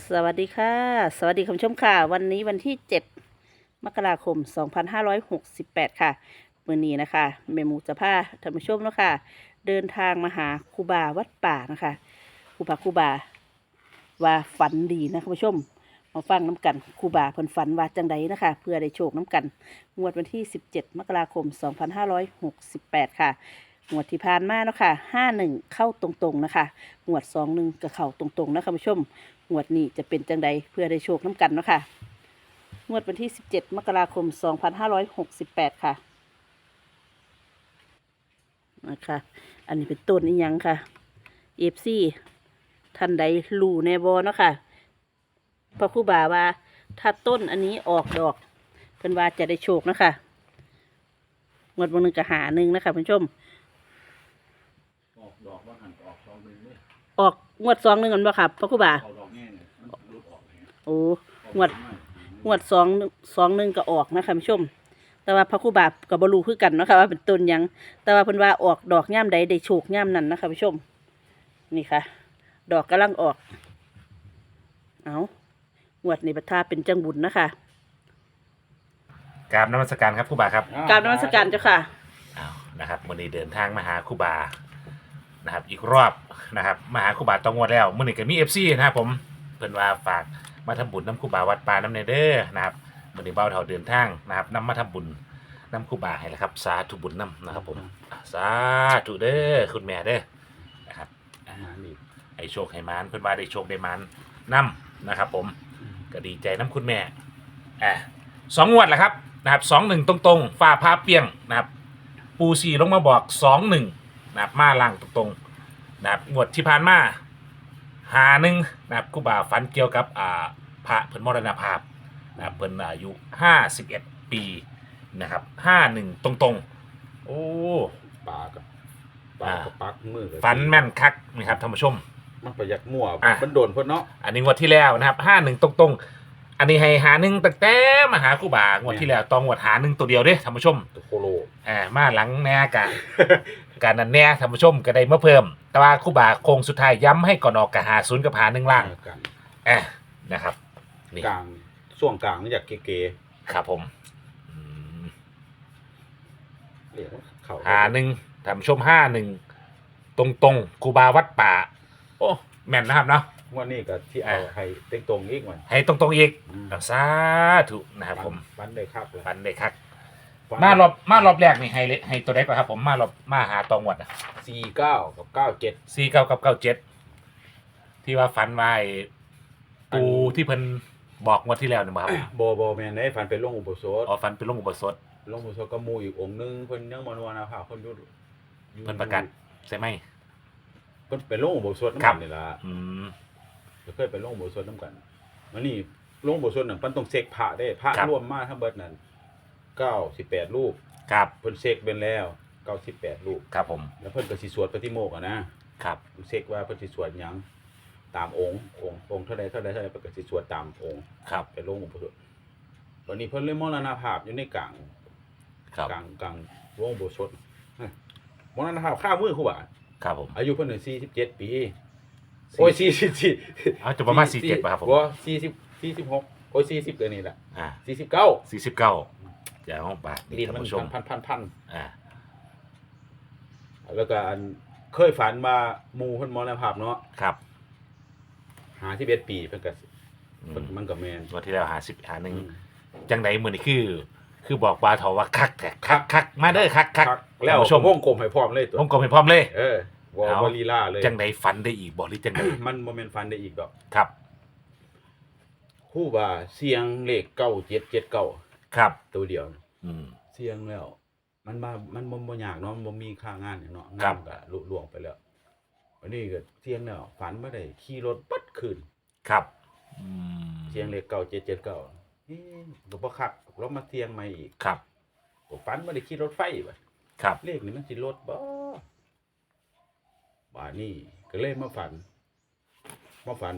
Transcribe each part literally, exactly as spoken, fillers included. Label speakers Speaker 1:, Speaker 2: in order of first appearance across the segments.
Speaker 1: สวัสดีค่ะ สวัสดีคุณผู้ชมค่ะ วันนี้วันที่เจ็ดมกราคมสองพันห้าร้อยหกสิบแปดค่ะมื้อนี้นะคะแม่หมูจะพาท่านผู้ชมเนาะค่ะเดินทางมาหาครูบาวัดป่านะคะครูบาครูบาว่าฝันดีนะคุณผู้ชมมาฟังน้ำกันครูบาเพิ่นฝันว่าจังใดนะคะเพื่อได้โชคน้ำกันงวดวันที่สิบเจ็ดมกราคมสองพันห้าร้อยหกสิบแปดค่ะงวดที่ผ่านมาเนาะค่ะห้าหนึ่งเข้าตรงๆนะคะงวดสองหนึ่งก็เข้าตรงๆนะคุณผู้ชมงวดนี้จะเป็นจังใดเพื่อได้โชคน้ำกันเนาะค่ะงวดวันที่สิบเจ็ดมกราคมสองพันห้าร้อยหกสิบแปดค่ะนะคะอันนี้เป็นต้นนี้ยังค่ะเอฟซีท่านใดรู้ในบอเนาะค่ะพระครูบาว่าถ้าต้นอันนี้ออกดอกเพิ่นว่าจะได้โชคนะคะงวดวันหนึ่งก็หาหนึ่งนะคะคุณผู้ชม
Speaker 2: ออกดอกว่าหันออกสองหนึ่งเลย
Speaker 1: ออกงวดสองหนึ่งกันบ่ค่ะพระครูบา
Speaker 2: เอาดอกแง่เนี่ยมันรุดออกเลย
Speaker 1: โอ้งวดงวดสองสองหนึ่งก็ออกนะคะคุณผู้ชมแต่ว่าพระครูบากับบรูคือกันเนาะค่ะว่าเป็นต้นยังแต่ว่าเพิ่นว่าออกดอกย่ามใดได้โชคย่ามนั้นนะคะผู้ชมนี่ค่ะดอกกำลังออกเอางวดนี้ประทาเป็นจังบุญนะคะ
Speaker 3: กราบนมัสการครับครูบาครับ
Speaker 1: กราบนมัสการเจ้าค่ะ
Speaker 3: อ้าวนะครับวันนี้เดินทางมาหาครูบานะครับอีกรอบนะครับมาหาครูบาตองวดแล้วมื่อนี้ก็มีเอฟซีนะครับผมเพิ่นว่าฝากมาทำบุญน้ำครูบาวัดป่าน้ำเนเด้อนะครับมื่อนี้เบาเท่าเดินทางนะครับนำมาทำบุญน้ำครูบาให้แล้วครับสาธุบุญน้ำนะครับผมสาธุเด้อคุณแม่เด้อนะครับ
Speaker 2: มานี่
Speaker 3: ให้โชคให้มานเพิ่นว่าได้โชคได้มานน้ำนะครับผมก็ดีใจน้ำคุณแม่อ่าสองงวดแหละครับนะครับสองหนึ่งตรงๆฝ้าผ้าเปียงนะครับปูซีลงมาบอกสองหนึ่งนะครับมาล่างตรงๆนะครับงวดที่ผ่านมาหาหนึ่งนะครับครูบาฝันเกี่ยวกับอ่าพระเพิ่นมรณภาพนะครับเพิ่นอายุห้าสิบเอ็ดปีนะครับห้าหนึ่งตรงๆโอ้
Speaker 2: ปากกับปากกับปักมือกับ
Speaker 3: ฝันแม่นคักนะครับท่านผู้ชม
Speaker 2: มันประหยัดมั่ว
Speaker 3: อ่ะ
Speaker 2: มันโดนเพิ่นเนาะ
Speaker 3: อันนี้งวดที่แล้วนะครับห้าหนึ่งตรงๆ อันนี้ให้หาหนึ่งตั้งแต่มาหาครูบางวดที่แล้วตองวดหาหนึ่งตัวเดียวเด้ท่านผู้ชม
Speaker 2: ตัวโคโล
Speaker 3: อ่ามาหลังแน่กะ การนั้นแน่ท่านผู้ชมก็ได้มาเพิ่ม แต่ว่าครูบาโคงสุดท้ายย้ำให้ก่อนออกกับหาศูนย์กับหาหนึ่งล่าง
Speaker 2: กัน
Speaker 3: อ่านะครับนี่
Speaker 2: กลางช่วงกลางนี่อยากเก๋
Speaker 3: ครับผมอืม
Speaker 2: ๆเรียกว่าเขา
Speaker 3: หาหนึ่งท่านผู้ชมห้าหนึ่งตรงๆครูบาวัดป่า โอ้แม่นนะครับเนาะ
Speaker 2: งวดนี้ก็ที่เอาให้เต็งตรงอีกมัน
Speaker 3: ให้ตรงๆอีก
Speaker 2: อืม
Speaker 3: สาธุนะครับผม
Speaker 2: ฟันได้ครับเลย
Speaker 3: ปันได้คัก
Speaker 2: ฟัน
Speaker 3: มารอบมารอบแรกนี่ให้เลให้ตัวเล็กกว่าครับผมมารอบมาหาตองวดอ่ะ
Speaker 2: สี่เก้ากับเก้าเจ็ด
Speaker 3: สี่เก้ากับเก้าเจ็ดที่ว่าฝันไว้ปูที่เพิ่นบอกงวดที่แล้วนี่บ่ครับ
Speaker 2: โบโบแมนได้ฟันเป็นลงอุปสมบท
Speaker 3: อ๋อฝันเป็นลงอุโบสถ
Speaker 2: ลงอุปสมบทก็หมูอีกองค์นึงเพิ่นยังมานวนาภาเพิ่นอยู่อยู่
Speaker 3: เพิ่นประกาศใช่ไหม
Speaker 2: เพิ่นเป็นลงอุปสมบท
Speaker 3: ครั
Speaker 2: น้ำ
Speaker 3: บ
Speaker 2: กันนี่ล่ะ
Speaker 3: อืม
Speaker 2: เคยไปลงอุโบสถน้ำกันมันนี่ลงอุโบสถนั่นเพิ่นต้องเสกพระได้พระรวมมาทั้งเบิดนั่นเก้าสิบแปดรูป
Speaker 3: ครับ
Speaker 2: เพิ่นเสกเป็นแล้วเก้าสิบแปดรูป
Speaker 3: ครับผม
Speaker 2: แล้วเพิ่นก็สิสวดปฏิโมกข์อ่ะนะครับ เสกว่าเพิ่นสิสวดหยังตามองค์องค์องค์เท่าใดเท่าใดเท่าใดเพิ่นก็สิสวดตามองค์
Speaker 3: ครับ
Speaker 2: ไปลงอุโบสถวันนี้เพิ่นเลยมรณภาพอยู่ในกลาง
Speaker 3: ครับ
Speaker 2: กลางกลางวงอุโบสถมรณภาพข้ามือครูบา
Speaker 3: ครับผม
Speaker 2: อายุเพิ่นน่ะสี่สิบเจ็ดปีโอ้ยสี่สิบสี่
Speaker 3: เอาจะประมาณสี่เจ็ดป่ะครับผม
Speaker 2: บ่สี่สิบสี่สิบหกโอ้ยสี่สิบตัวนี้แหละ
Speaker 3: อ่า
Speaker 2: สี่สิบเก้า
Speaker 3: สี่สิบเก้าอย่าห้องบาท
Speaker 2: ลิ้
Speaker 3: นี่
Speaker 2: น
Speaker 3: ท่าน
Speaker 2: มัน
Speaker 3: ผู้ชม
Speaker 2: พันพันพัน
Speaker 3: อ่า
Speaker 2: แล้วก็อันเคยฝันมาหมู่เพิ่นมรณภาพเนาะ
Speaker 3: ครับ
Speaker 2: ห้าสิบเอ็ดปีเพิ่นก็
Speaker 3: อื
Speaker 2: เพิ่น
Speaker 3: ม
Speaker 2: มันก็แม่น
Speaker 3: งวดที่แล้วหาสิบหาหนึ่ง
Speaker 2: อืม
Speaker 3: จังไหนมือนี่คือ คือบอกว่าเถาว่าคักแต่คักคักมาเด้อคักคัก
Speaker 2: ครับแล้ว
Speaker 3: ท่านผู้ชม
Speaker 2: วงกลมให้พร้อมเลยตัว
Speaker 3: ผมก็ไม่พร้อมเลย
Speaker 2: เออบ่
Speaker 3: เอา
Speaker 2: บ่ลีลาเลย
Speaker 3: จังไหนฝันได้อีกบอกหรือจังไหน
Speaker 2: มันบ่แม่นฝันได้อีกดอก
Speaker 3: ครับ
Speaker 2: ครูว่าเสียงเลขเก้าเจ็ดเจ็ดเก้า
Speaker 3: ครับ
Speaker 2: ตัวเดียว
Speaker 3: อืม
Speaker 2: เสียงแล้ว มันมามันบ่บ่ยากเนาะมันบ่มีค่างานหยังเนาะ
Speaker 3: ครั
Speaker 2: งา
Speaker 3: บ
Speaker 2: นก็ลุล่วงไปแล้ววันนี้ก็เสียงแล้วฝันบ่ได้ขี่รถปัดคืน
Speaker 3: ครับอืม
Speaker 2: เสียงเลขเก้าเจ็ดเจ็ดเก้าเอ๊ะก็บ่คักเรามาเสียงใหม่อีก
Speaker 3: ครับ
Speaker 2: ก็ฝันบ่ได้ขี่รถไฟบัด
Speaker 3: ครับ
Speaker 2: เลขนี่มันสิลดบ่บาดนี้ก็เลยมาฝันมาฝัน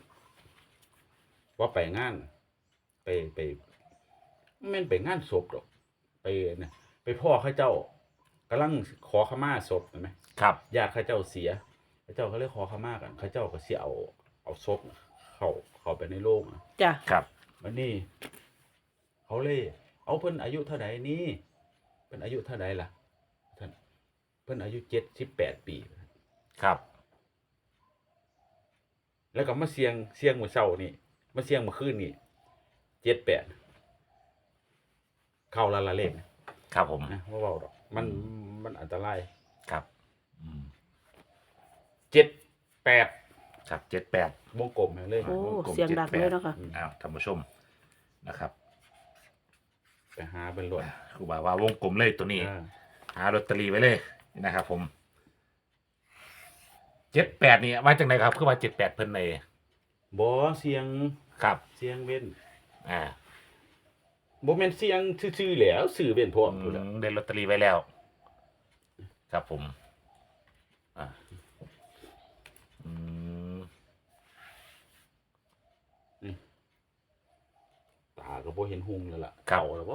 Speaker 2: ว่าไปงาน ไปไปแม่นไปงานศพดอก ไปนะไปพ่อเขาเจ้ากำลังขอขมาศพเห็นไหม
Speaker 3: ครับ
Speaker 2: ญาติเขาเจ้าเสียเขาเจ้าเขาเลยขอขมากันเขาเจ้าก็สิเอาเอาศพเข้าเข้าเข้าไปในโรงอะ
Speaker 1: จ้ะ
Speaker 3: ครับ
Speaker 2: วันนี้เขาเลยเอาเพิ่นอายุเท่าไหร่นี่เพิ่นอายุเท่าไหร่ล่ะท่านเพิ่นอายุเจ็ดสิบแปดปี
Speaker 3: ครับ
Speaker 2: แล้วก็มาเสียงเสียงมื้อเช้านี่มาเสียงเมื่อคืนนี่เจ็ดแปดเข้าละละเลขนะครับ
Speaker 3: ผม
Speaker 2: นะบ่เว้าดอกมันมันอันตราย
Speaker 3: ครับอืม
Speaker 2: เจ็ดแปด
Speaker 3: ครับเจ็ดแปด
Speaker 2: วงกลมให้เลย
Speaker 1: โอ้
Speaker 3: วงกลม
Speaker 1: เสียงดัง
Speaker 3: เจ็ดแปด
Speaker 1: เลยเนาะค่ะ
Speaker 3: อ้าวท่านผู้ชมนะครับ
Speaker 2: ไปหาเป็นรถ
Speaker 3: ครูบาว่าวงกลมเลยตัวนี้
Speaker 2: อ่า
Speaker 3: หาลอตเตอรี่ไว้เลยนะครับผมเจ็ดแปดนี่มาจากไหนครับคือว่าเจ็ดแปดเพิ่นใน
Speaker 2: บ่เสียง
Speaker 3: ครับ
Speaker 2: เสียงเว้น
Speaker 3: อ่า
Speaker 2: บ่แม่นเสียงซื่อๆแหล้วสื่อเว้นพร้อม
Speaker 3: อื
Speaker 2: พุ่นล่ะ
Speaker 3: มได้ลอตเตอรี่ไว้แล้ว ครับผมอ่าอืม
Speaker 2: ตาก็บ่เห็นหุงแล้วล่ะ
Speaker 3: ครับ
Speaker 2: เก่าแล้วบ่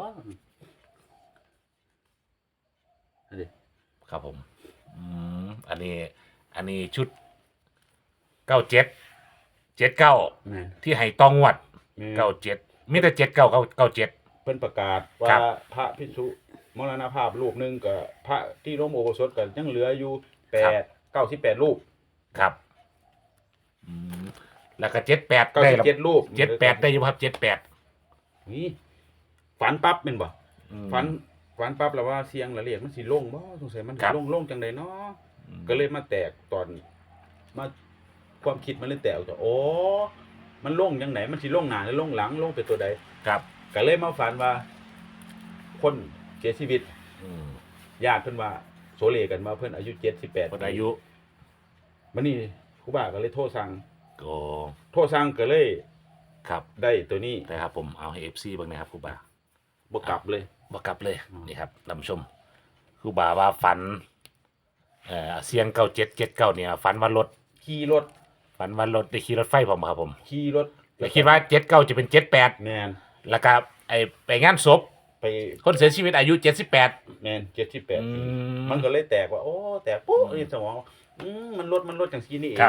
Speaker 2: อันนี้
Speaker 3: ครับผม อืมอันนี้ อันนี้ชุดเก้าเจ็ดเจ็ดเก้า
Speaker 2: แม่น
Speaker 3: ที่ให้ตองวด
Speaker 2: แม่
Speaker 3: เก้าเจ็ดมีแต่เจ็ดเก้าเก้าเก้าเจ็ด
Speaker 2: เพิ่นประกาศ
Speaker 3: ครั
Speaker 2: ว่า
Speaker 3: บ
Speaker 2: พระภิกษุมรณภาพรูปหนึงก็พระที่ร่วมอุโบสถก็ยังเหลืออยู่แปด เก้าสิบแปดรูป
Speaker 3: ครับ อืมแล้วก็เจ็ดแปด
Speaker 2: เก้า
Speaker 3: ได้
Speaker 2: สิบ
Speaker 3: แล้ว
Speaker 2: เจ็ดรูป
Speaker 3: เจ็ดแปดได้อยู่ครับเจ็ดแปด
Speaker 2: นี่ฝันปั๊บแม่นบ่ฝันฝันปั๊บแล้วว่าเสียงละเรียกมันสิลงบ่สงสัยมันสิลงลงจังไดเนาะก็เลยมาแตกตอนมาความคิดมันเลยแตกออกจากโอ้มันลงจังไหนมันสิลงหน้าหรือลงหลังลงไปตัวใด
Speaker 3: ครับ
Speaker 2: ก็เลยมาฝันว่า คนเสียชีวิต
Speaker 3: อืม
Speaker 2: ญาติเพิ่นว่าโซเลกันมาเพิ่นอายุเจ็ดสิบแปด
Speaker 3: คนอายุ
Speaker 2: มันนี่ครูบาก็เลยโทรสั่ง
Speaker 3: โอ้
Speaker 2: โทรสั่งก็เลย
Speaker 3: ครับ
Speaker 2: ได้ตัวนี้
Speaker 3: นะครับผมเอาให้เอฟซีบ้างนะครับครูบา
Speaker 2: บ่กลับเลย
Speaker 3: บอกกลับเลย
Speaker 2: อืม
Speaker 3: นี่ครับท่านผู้ชมครูบาว่าฝันเอ่อเสียงเก้าเจ็ดเจ็ดเก้าเนี่ยฝันว่ารถ
Speaker 2: ขี่รถ
Speaker 3: ฝันว่ารถได้ขี่รถไฟผมครับผม
Speaker 2: ขี่รถ
Speaker 3: แต่คิดว่าเจ็ดเก้าจะเป็นเจ็ดแปด
Speaker 2: แม่น
Speaker 3: แล้วก็ไอไปงานศพ
Speaker 2: ไป
Speaker 3: คนเสียชีวิตอายุเจ็ดสิบแปด
Speaker 2: แม่นเจ็ดสิบแปด
Speaker 3: อืม
Speaker 2: มันก็เลยแตกว่า โอ้ แตกปุ๊บ
Speaker 3: อืม
Speaker 2: ในสมองอืมมันลดมันลดจังซี่นี่เอง
Speaker 3: ครับ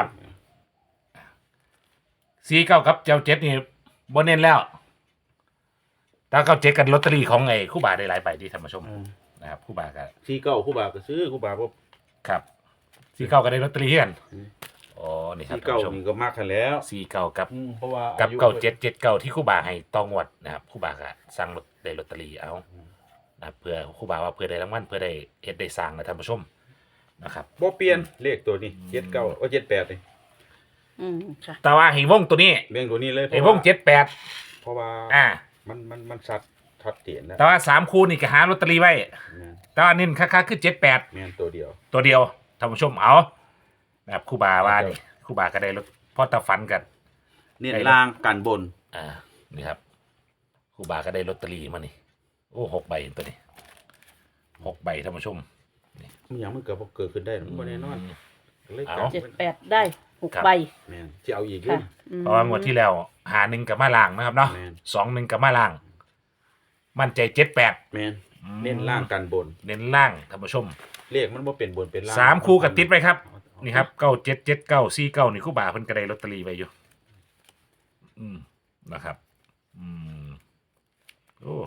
Speaker 3: สี่เก้าครับเจ้าเจ็ดนี่บนเน้นแล้วถ้าเก้าเจ็ดกันลอตเตอรี่ของไอ้ครู่บาได้หลายใบที่ท่านผู้ชม
Speaker 2: อืม
Speaker 3: นะครับครู่บาก็
Speaker 2: สี่เก้าครูบาก็ซื้อครูบาบ่
Speaker 3: ครับสี่เก้าก็ได้ลอตเตอรี่เฮือน
Speaker 2: อืม
Speaker 3: อ๋อนี่ครับ
Speaker 2: สี่
Speaker 3: ท่าน
Speaker 2: เก้า
Speaker 3: ผู้ชม
Speaker 2: นี่ก็มากกันแล้ว
Speaker 3: สี่เก้ากับ
Speaker 2: อืมเพราะว่า
Speaker 3: กับ
Speaker 2: อายุ
Speaker 3: เก้าเจ็ดเจ็ดเก้าที่ครู่บาให้ตองวดนะครับครู่บาก็สั่งลอตได้ลอตเตอรี่เอานะครับเพื่อครู่บาว่าเพื่อได้รางวัลเพื่อได้เฮ็ดได้สร้างนะท่านผู้ชมนะครับ
Speaker 2: บ่เปลี่ยนเลขตัวนี้เจ็ดเก้าว่าเจ็ดแปดนี่
Speaker 1: อืมค่ะ
Speaker 3: แต่ว่าให้วงตัวนี้
Speaker 2: เรื่องตัวนี้เลยเพ
Speaker 3: ให้
Speaker 2: ราะ
Speaker 3: ว
Speaker 2: ว่าง
Speaker 3: เจ็ดแปด
Speaker 2: เพราะว่า
Speaker 3: อ่า
Speaker 2: มันมันมันชัดชัดเจนแล้ว
Speaker 3: แต่ว่าสามคูนี่ก็หาลอตเตอรี่ไว้
Speaker 2: แม่น
Speaker 3: แต่ว่าเน้นค่าๆคือเจ็ดแปด
Speaker 2: แม่นตัวเดียว
Speaker 3: ตัวเดียวท่านผู้ชมเอานะครับครู่บาว่านี่ครู่บาก็ได้ลดพอตะฟันกัน
Speaker 2: เน้น
Speaker 3: ได้
Speaker 2: ล่างกันบน
Speaker 3: อ่านี่ครับครู่บาก็ได้ลอตเตอรี่มานี่โอ้หกใบเห็นตัวนี้หกใบท่านผู้ชม
Speaker 2: มันหยังมันเกิดบ่เกิดขึ้นได้มันบ่แน่นอนเลย
Speaker 3: เอา
Speaker 2: กัน
Speaker 1: เจ็ดแปดได้หก
Speaker 3: ครับ
Speaker 1: ใบ
Speaker 2: แม่นสิเอาอีกอยู่
Speaker 1: ค่ะอืม
Speaker 3: เพราะว่างวดที่แล้วหาหนึ่งกับมาล่างนะครับเนาะ
Speaker 2: แม่น
Speaker 3: สองหนึ่งกับมาล่าง มั่นใจเจ็ดแปด
Speaker 2: แม่นเน้นล่างกันบน
Speaker 3: เน้นล่างท่านผู้ชม
Speaker 2: เลขมันบ่เป็นบนเป็นล่าง
Speaker 3: สามคู่กับติดไปครับ
Speaker 2: เอาเอา
Speaker 3: นี่ครับเก้าเจ็ดเจ็ดเก้าสี่เก้านี่ครู่บาเพิ่นก็ได้ลอตเตอรี่ไว้อยู่ อืมนะครับ อืมโอ้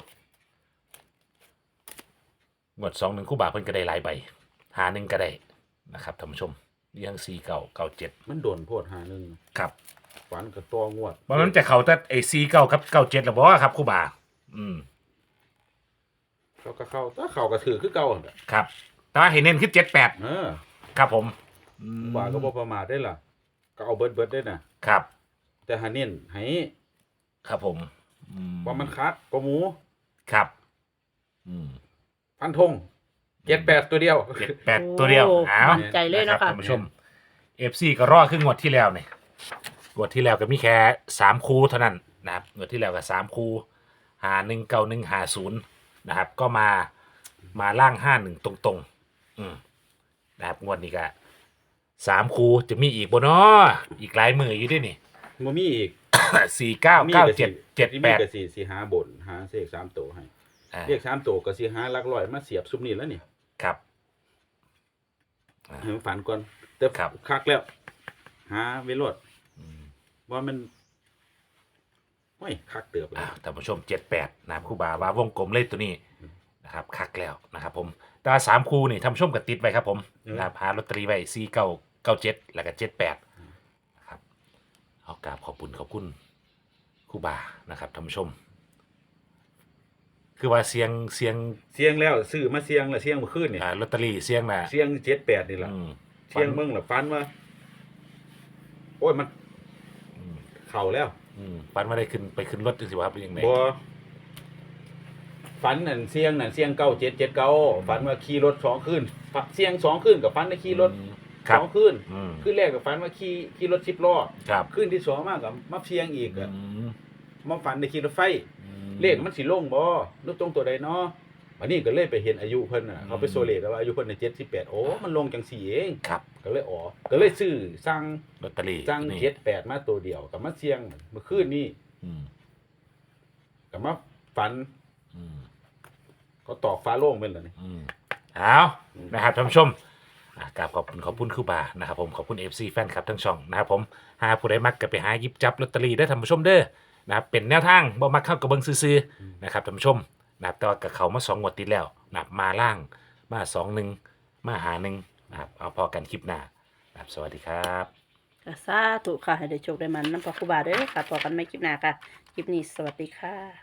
Speaker 3: งวดสองหนึ่งครู่บาเพิ่นก็ได้หลายใบหาหนึ่งก็ได้นะครับท่านผู้ชมนี่ทั้งสี่เก้าเก้าเจ็ด
Speaker 2: มันโดนโพดหาหนึง
Speaker 3: ครับ
Speaker 2: ฝันกับตัวงวด
Speaker 3: เพราะมันจะเขาแต่ไอสี่เก้ากับเก้าเจ็ดหรือเปล่าครับครู่บา อืม
Speaker 2: เขาก็เข้าถ้าเข้าก็ถือคือเก่าหั่นน่ะ
Speaker 3: ครับ แต่ว่าเห็นเน้นคือเจ็ดแปด
Speaker 2: เออ
Speaker 3: ครับผมอืม
Speaker 2: ว่าก็บ่ประมาทได้ล่ะ ก็เอาเบิดเบิดได้น่ะ
Speaker 3: ครับ
Speaker 2: แต่หาเน้นให้
Speaker 3: ครับผมอื
Speaker 2: ว่ามันคัดกว่าหมู
Speaker 3: ครับ อืม
Speaker 2: ฟันธงเจ็ดแปดตัวเดียว
Speaker 3: เจ็ดแปดตัวเดียว
Speaker 1: โอ้
Speaker 3: เอา
Speaker 1: มั่นใจเลย
Speaker 3: ค
Speaker 1: เนาะ
Speaker 3: รับ
Speaker 1: ค่ะ
Speaker 3: ท่านผู้ชมเอฟซีก็รอขึ้นงวดที่แล้วเนี่ยงวดที่แล้วก็มีแค่สามคูเท่านั้นนะครับงวดที่แล้วก็สามคูหาหนึ่งเก้าหนึ่งหาศูนย์นะครับ ก็มามาล่างห้าหนึ่งตรงๆ อืมนะครับงวดนี้ก็สามคูจะมีอีกบนอ้ออีกหลายมืออยู่ด้วยนี่
Speaker 2: บ่มีอีก
Speaker 3: สี่เก้า
Speaker 2: มี
Speaker 3: เก้า
Speaker 2: ก็
Speaker 3: เจ็ด
Speaker 2: สิ
Speaker 3: เจ็ด
Speaker 2: ที่
Speaker 3: แป
Speaker 2: มี
Speaker 3: ด
Speaker 2: ก็สิสิหาบนหาเลขสามตัวให้
Speaker 3: อ่า
Speaker 2: เลขสามตัวก็สิหาหลักร้อยมาเสียบซุมนี้แล้วนี่
Speaker 3: ครับอ่า
Speaker 2: ให้มันฝันก่อนแต่
Speaker 3: ครับ
Speaker 2: คักแล้ว หาเวโรด
Speaker 3: อืม
Speaker 2: ว่ามันโอ้ยคักเติบเล
Speaker 3: อ่าย ท่านผู้ชมเจ็ดแปดนะครับครูบาว่าวงกลมเลขตัวนี้นะครับคักแล้วนะครับผมแตว่าสามคู่นี่ท่านผู้ชมก็ติดไว้ครับผมนะครับหาลอตเตอรี่ไว้สี่เก้าเก้าเจ็ดแล้วก็เจ็ดแปดนะครับเอากราบขอบคุณขอบคุณครูบานะครับท่านผู้ชม คือว่าเสียงเสียง
Speaker 2: เสียงแล้วซื้อมาเสียงแล้วเสียงเมื่อคืนนี่
Speaker 3: อ่าลอตเตอรี่เสียงน่ะ
Speaker 2: เสียงเจ็ดแปดนี่ล่ะ
Speaker 3: อืม
Speaker 2: เสียงเบิ่งล่ะฝันว่า โอ้ยมัน
Speaker 3: อืม
Speaker 2: เข้าแล้ว
Speaker 3: อืมปันไม่ได้ขึ้นไปขึ้นรถจังสิวะครับเป็นยังไง
Speaker 2: บ่ฝันนั่นเสียงนั่นเสียงเก้าเจ็ดเจ็ดเก้าฝันว่าขี่รถสองคืนฝันเสียงสองคืนกับฝันได้ขี่รถ
Speaker 3: อืมค
Speaker 2: ส
Speaker 3: รับ
Speaker 2: องคืน
Speaker 3: อืม
Speaker 2: คืนแรกกับฝันว่าขี่ขี่รถสิบล้อ
Speaker 3: ครับ
Speaker 2: คืนที่สองมากับมาเสียงอีก
Speaker 3: อื
Speaker 2: อะ
Speaker 3: ม
Speaker 2: มาฝันได้ขี่รถไฟ
Speaker 3: อืม
Speaker 2: เลขมันสิลงบ่หรือตรงตัวใดเนาะวันนี้ก็เลยไปเห็นอายุเพิ่นน่ะ
Speaker 3: อืม
Speaker 2: เขาไปโซเลตแล้วว่าอายุเพิ่นน่ะเจ็ดสิบแปดโอ้มันลงจังสี่เอง
Speaker 3: ครับ
Speaker 2: ก็เลยอ๋อก็เลยซื้อสั่ง
Speaker 3: ลอตเตอรี่
Speaker 2: สั่ง
Speaker 3: นี่
Speaker 2: เจ็ดแปดมาตัวเดียวกับมาเสียงเมื่อคืนนี้
Speaker 3: อืม
Speaker 2: ก็มาฝัน
Speaker 3: อืม
Speaker 2: เขาตอกฟ้าโล่งเป็นเหรอนี่
Speaker 3: อืมเอานะครับท่านผู้ชมอ่ากราบขอบคุณขอบคุณครูบานะครับผมขอบคุณ เอฟ ซี แฟนคลับทั้งช่องนะครับผมหาผู้ใดมักก็ไปหาหยิบจับลอตเตอรี่ได้อท่านผู้ชมเด้อนะครับเป็นแนวทางบ่มักเข้ากับเบิ่งซื่อๆนะครับท่านผู้ชมนะครับแต่ว่ากับเขามาสองงวดติดแล้วนะครับมาล่างมาสองหนึ่งมาหาหนึ่งนะครับเอาพอกันคลิปหน้านะครับสวัสดีครับ
Speaker 1: ก็สาธุค่ะให้ได้โชคได้มันน้ำปลาครูบาเด้อค่ะต่อกันไม่คลิปหน้าค่ะ คลิปนี้สวัสดีค่ะ